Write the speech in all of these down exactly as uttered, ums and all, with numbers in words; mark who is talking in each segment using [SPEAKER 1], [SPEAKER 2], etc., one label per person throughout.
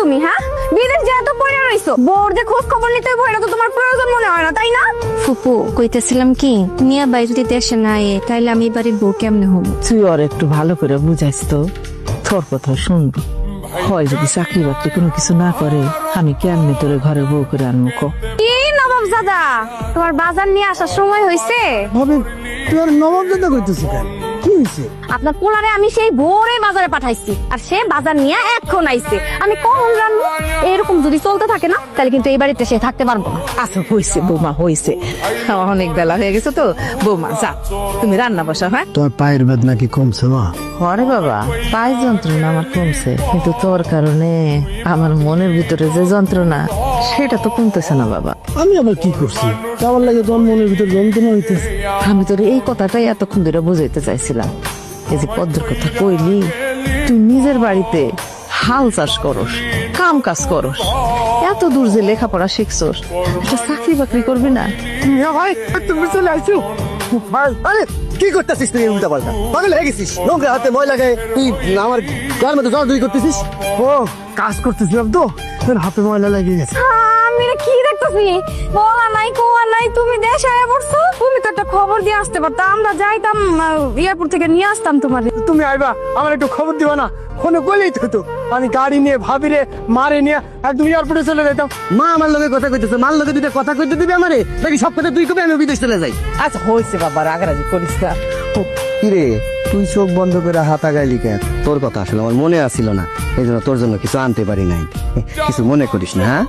[SPEAKER 1] তুমি? হ্যাঁ, বিদেশ যা তো পড়ে রইছো, বোর যে খোঁজ খবর নিতে হবে এটা তো তোমার প্রয়োজন মনে হয় না, তাই না?
[SPEAKER 2] ফুপু কইতেছিলাম কি, মিয়া ভাই যদি দেশে না আয়ে তাইলে আমি বাড়ির বউ কেমনে হবো?
[SPEAKER 3] তুই ওর একটু ভালো করে বুঝাইস তো, তোর কথা শুনবি। হয় যদি চাকরি বাকরি কোনো কিছু না করে, আমি কেমনে তোরে ঘরের বউ করে আনবো ক?
[SPEAKER 1] কি নবাব দাদা, তোমার বাজার নিয়ে আসার সময় হয়েছে?
[SPEAKER 4] ভাবি তুই আর নবাব দাদা কইতেছিস কেন? কি হয়েছে?
[SPEAKER 1] আপনার পোলারে আমি সেই ভোরে বাজারে পাঠাইছি, আর সে বাজার নিয়ে এখন আইছে। আমি কখন জানবো? এরকম যদি চলতে থাকে না তাহলে কিন্তু এই বাড়িতে সে থাকতে পারবো না।
[SPEAKER 3] আচ্ছা হয়েছে বৌমা, হয়েছে, অনেক বেলা হয়ে গেছে তো। বৌমা যা, তুমি রান্না বসা। হ্যাঁ
[SPEAKER 4] তোর পায়ের বেদনা কি কমছে মা?
[SPEAKER 3] হরে বাবা, পায়ে যন্ত্রণা আমার কমছে, কিন্তু তোর কারণে আমার মনের ভিতরে যে যন্ত্রণা সেটা তো কমতেছে না বাবা।
[SPEAKER 4] আমি আবার কি করছি? আমার লাগে তোর মনের ভিতর যন্ত্রণা হইতেছে।
[SPEAKER 3] আমি তোর এই কথাটাই এতক্ষণ ধরে বুঝাইতে চাইছিলাম। এই যে পদ্মর কথা কইলি, তুই নিজের বাড়িতে হাল চাষ করস, কাম কাজ করস, এত দূর যে লেখাপড়া শিখছস, একটা চাকরি বাকরি করবি না?
[SPEAKER 4] ভাই তুমি চলে আসছো ভাই। আরে কি করতেছিস তুই উল্টা পাল্টা? পাগল হয়ে গেছিস? নোংরা হাতে ময়লা গায়ে তুই আমার গার মধ্যে জল দুই করতেছিস? ও কাজ করতেছিলাম তো, তোর হাতে ময়লা লেগে গেছে।
[SPEAKER 1] আমি এটা কি দেখতেছি? বলা নাই কোয়া নাই, তুমি দেশে আয়া পড়ছো। তুমি তো একটা খবর দিয়ে আসতে পারতা, আমরা যাইতাম এয়ারপোর্ট থেকে নিয়ে আসতাম তোমারে।
[SPEAKER 4] তুমি আইবা, আমার একটু খবর দিবা না? ফোনে কইলেই তো হতো। আমি গাড়ি নিয়ে ভাবিরে মারে নিয়ে একদম এয়ারপোর্টে চলে যাইতাম। মা আমার লগে কথা কইতেছে, মার লগে দুইটা কথা কইতে দিবি আমারে, নাকি সব কথা তুই কবি আমি বিদেশ চলে যাই?
[SPEAKER 3] আচ্ছা হয়েছে বাবা, রাগারাগি করিস না।
[SPEAKER 5] কিরে তুই চোখ বন্ধ করে হাতা গাইলি কেন? তোর কথা আসলে আমার মনে আসছিল না, এই জন্য তোর জন্য কিছু আনতে পারি নাই। কিছু মনে করিস না। হ্যাঁ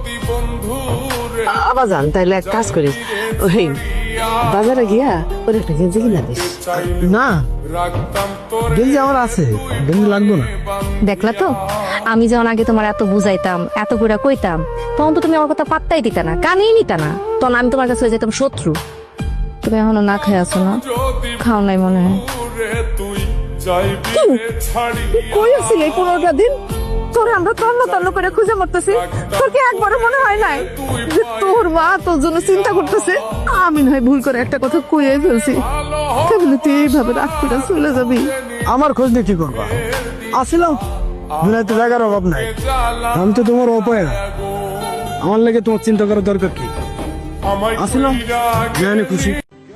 [SPEAKER 3] আবার জান, তাইলে এক কাজ করিস, ওই বাজারে গিয়া ওর একটা গেঞ্জি কিনা দিস।
[SPEAKER 4] না গেঞ্জি আমার আছে, গেঞ্জি লাগবে না।
[SPEAKER 1] দেখলা তো, আমি যখন আগে তোমার এত বুঝাইতাম, এত করে কইতাম, তখন তো তুমি আমার কথা পাত্তাই দিতা না, কানেই নিতা না। তখন আমি তোমার কাছে হয়ে যেতাম শত্রু। তুমি এখনো না খেয়ে আছো না? খাও নাই মনে হয়। কই আছিস এই পনেরোটা দিন? তোর আমরা তন্ন তন্ন করে খুঁজে মরতেছি, তোর কি একবারও মনে হয় নাই যে তোর মা তোর জন্য চিন্তা করতেছে?
[SPEAKER 3] আমি নয় ভুল করে একটা কথা কইয়ে ফেলছি, তাহলে তুই এইভাবে রাগ করে চলে যাবি?
[SPEAKER 4] আমার খোঁজ নিয়ে কি করবা? আসিলাম, দুনিয়াতে জায়গার অভাব নাই। আমি তো তোমার অপায় না, আমার লাগে তোমার চিন্তা করার দরকার কি? আসিলাম, জানি খুশি।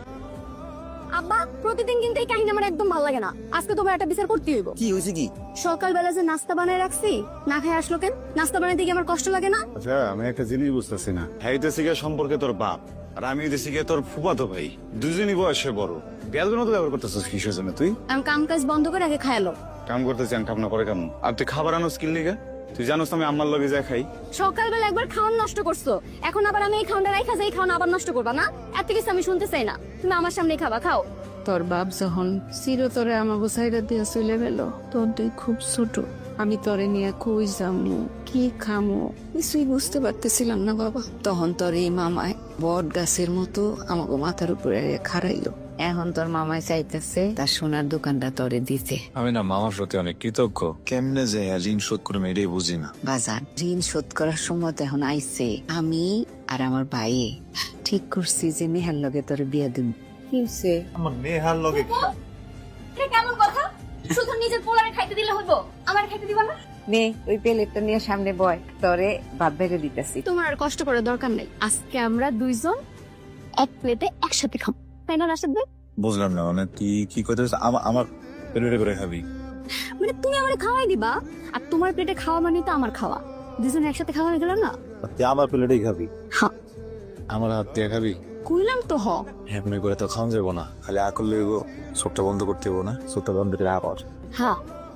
[SPEAKER 1] আব্বা, প্রতিদিন কিন্তু এই কাহিনী আমার একদম ভালো লাগে না। আজকে তোমার একটা বিচার করতে হইব।
[SPEAKER 5] কি হয়েছে কি?
[SPEAKER 1] সকালবেলা যে নাস্তা বানায় রাখছি, না খাই আসলো কেন? নাস্তা বানাইতে গিয়ে আমার কষ্ট লাগে না?
[SPEAKER 6] আচ্ছা আমি একটা জিনিস বুঝতেছি না, হাইতেছি গিয়ে সম্পর্কে তোর বাপ আর আমি হইতেছি গিয়ে তোর ফুফাতো ভাই, দুজনই বয়সে বড়। বেয়াদের মতো ব্যবহার করতেছিস কিসের জন্য তুই?
[SPEAKER 1] আমি কাম কাজ বন্ধ করে আগে খায়ালো।
[SPEAKER 6] কাম করতেছি আমি কাম না করে কেমন? আর তুই খাবার আনো স্কিল নিয়ে তুই জানোস আমি আমার লগে যা খাই।
[SPEAKER 1] সকালবেলা একবার খাওয়ান নষ্ট করছো, এখন আবার আমি এই খাওয়ানটা রাইখা যাই, খাওয়ান আবার নষ্ট করবা না? এত কিছু আমি শুনতে চাই না, তুমি আমার সামনে খাবা, খাও।
[SPEAKER 2] তোর বাপ যখন চিরতরে আমাকে সাইডা দিয়া চলে গেল, তোর তুই খুব ছোট, আমি তোরে নিয়ে কই যামু, কি খামু কিছুই বুঝতে পারতেছিলাম না বাবা। তখন তোর এই মামায় বট গাছের মতো আমাকে মাথার উপরে খাড়াইলো। এখন তোর মামায় চাইতেছে তার সোনার দোকানটা তোরে দিতে।
[SPEAKER 7] আমি না মামার প্রতি অনেক কৃতজ্ঞ। কেমনে যে ঋণ শোধ করে এটাই বুঝি না।
[SPEAKER 2] বাজার ঋণ শোধ করার সময় তো এখন আইছে। আমি আর আমার ভাই ঠিক করছি যে নেহার লগে তোর বিয়া দিব। কি হইছে?
[SPEAKER 7] আমার নেহার লগে
[SPEAKER 1] এটা কেমন কথা? শুধু নিজের পোলারে খাইতে দিলে হইব, আমার খাইতে দিবা না?
[SPEAKER 2] নে ওই প্লেটটা নিয়ে সামনে বয়, তোরে ভাত বেড়ে দিতেছি।
[SPEAKER 1] তোমার আর কষ্ট করার দরকার নেই, আজকে আমরা দুইজন এক প্লেটে একসাথে খাবো, তাই না রাশেদ ভাই?
[SPEAKER 7] বুঝলাম না, মানে তুই কি করতে আমার পেটে করে খাবি?
[SPEAKER 1] মানে তুমি আমারে খাওয়াই দিবা, আর তোমার প্লেটে খাওয়া মানে তো আমার খাওয়া, দুজন একসাথে খাওয়া হয়ে গেল না?
[SPEAKER 7] তুই আমার প্লেটেই খাবি?
[SPEAKER 1] হ্যাঁ।
[SPEAKER 7] আমার হাত দিয়ে খাবি?
[SPEAKER 1] কইলাম তো হ।
[SPEAKER 7] এমনি করে তো খাওয়া যাবো না, খালি আ করলে চোখটা বন্ধ করতে হবো না, চোখটা বন্ধ করে আবার।
[SPEAKER 1] হ্যাঁ।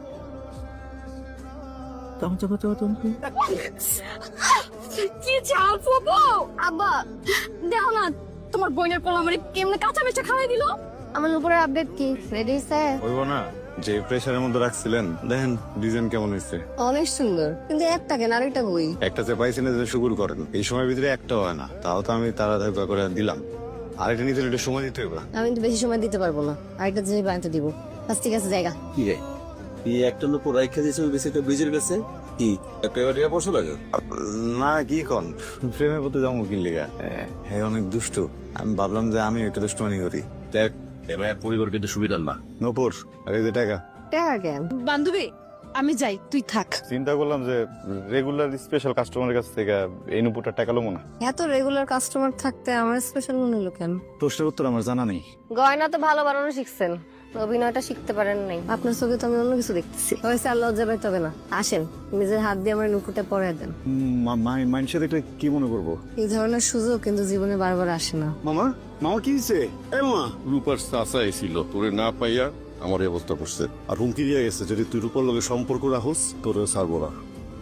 [SPEAKER 1] কি চাল ফুপু? আব্বা দেখো না, তোমার বোনের পোলা আমারে কেমনে কাঁচা বেচা খাওয়াই দিল। আমার উপরে আপডেট কি রেডি হইছে?
[SPEAKER 6] হইব না? যে প্রেসারের মধ্যে রাখছিলেন দেখেন ডিজাইন কেমন হয়েছে।
[SPEAKER 1] অনেক সুন্দর, কিন্তু একটা কেন আরেকটা বই।
[SPEAKER 6] একটা যে পাইছেন যে শুকুর করেন, এই সময়ের ভিতরে একটা হয় না, তাও তো আমি তাড়াতাড়ি করে দিলাম। আরেকটা নিতে একটু সময় দিতে হবে।
[SPEAKER 1] আমি তো বেশি সময় দিতে পারবো না, আরেকটা যে বানাতে দিব। আচ্ছা ঠিক আছে, জায়গা
[SPEAKER 8] কি রে তুই একটা লোক রাইখা দিয়েছে ওই বেশি একটা ব্রিজের কাছে কি একটা এবার টিয়া পড়ছো লাগে?
[SPEAKER 6] না কি কন, প্রেমে পড়তে যাবো কি লিগা? হ্যাঁ অনেক দুষ্ট, আমি ভাবলাম যে আমি একটা দুষ্টমানি করি।
[SPEAKER 8] দেখ এবার পরিবার কিন্তু সুবিধার না।
[SPEAKER 6] নপুর আর এই যে টাকা।
[SPEAKER 1] টাকা কেন? বান্ধবী
[SPEAKER 2] আমি যাই, তুই থাক।
[SPEAKER 6] চিন্তা করলাম যে রেগুলার স্পেশাল কাস্টমারের কাছ থেকে এই নুপুরটা টাকা লমো না।
[SPEAKER 1] এত রেগুলার কাস্টমার থাকতে আমার স্পেশাল মনে হলো কেন?
[SPEAKER 6] প্রশ্নের উত্তর আমার জানা নেই।
[SPEAKER 1] গয়না তো ভালো বানানো শিখছেন, অভিনয়টা শিখতে পারেন নাই। আপনার চোখে তো আমি অন্য কিছু দেখতেছি। হয়েছে, আর লজ্জা পাইতে হবে না। আসেন, নিজের হাত দিয়ে আমার নুপুরটা পরে দেন।
[SPEAKER 6] মানুষের দেখলে কি মনে করবো?
[SPEAKER 1] এই ধরনের সুযোগ কিন্তু জীবনে বারবার আসে না।
[SPEAKER 6] মামা মামা কি হয়েছে? এ মামা,
[SPEAKER 9] রূপার চাচা এসিল তোরে না পাইয়া আমার এই অবস্থা করছে।
[SPEAKER 6] আর হুমকি দিয়ে গেছে যদি তুই রূপার লগে সম্পর্ক রাখোস তোর ছাড়বো না।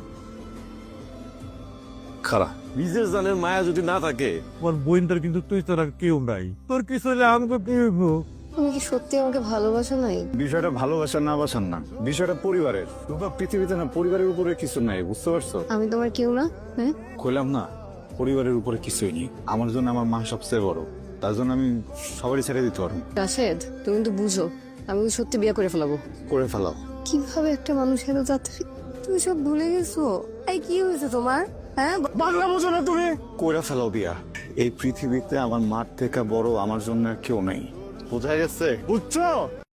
[SPEAKER 9] খারা নিজের জানের মায়া যদি না থাকে,
[SPEAKER 7] আমার বোনটার কিন্তু তুই তোরা কেউ নাই, তোর কিছু হলে আমাকে কি হইব?
[SPEAKER 1] তুমি কি সত্যি আমাকে ভালোবাসো নাই?
[SPEAKER 6] বিষয়টা ভালোবাসার না বাসার না, বিষয়টা পরিবারের। রূপা পৃথিবীতে না পরিবারের উপরে কিছু নাই, বুঝতে পারছো?
[SPEAKER 1] আমি তোমার কেউ না? হ্যাঁ,
[SPEAKER 6] কইলাম না পরিবারের উপরে কিছুই নেই। আমার জন্য আমার মা সবচেয়ে বড়, তার জন্য আমি সবারই ছেড়ে দিতে পারবো।
[SPEAKER 1] রাশেদ, তুমি কিন্তু বুঝো আমি কিন্তু সত্যি বিয়ে করে ফেলাবো।
[SPEAKER 6] করে ফেলাও।
[SPEAKER 1] কিভাবে একটা মানুষের যাত্রী তুমি সব ভুলে গেছো? এই কি হয়েছে তোমার? হ্যাঁ,
[SPEAKER 6] বাংলা বোঝো না তুমি? করে ফেলাও বিয়া। এই পৃথিবীতে আমার মার থেকে বড় আমার জন্য আর কেউ নেই। বোঝা গেছে? বুঝছো?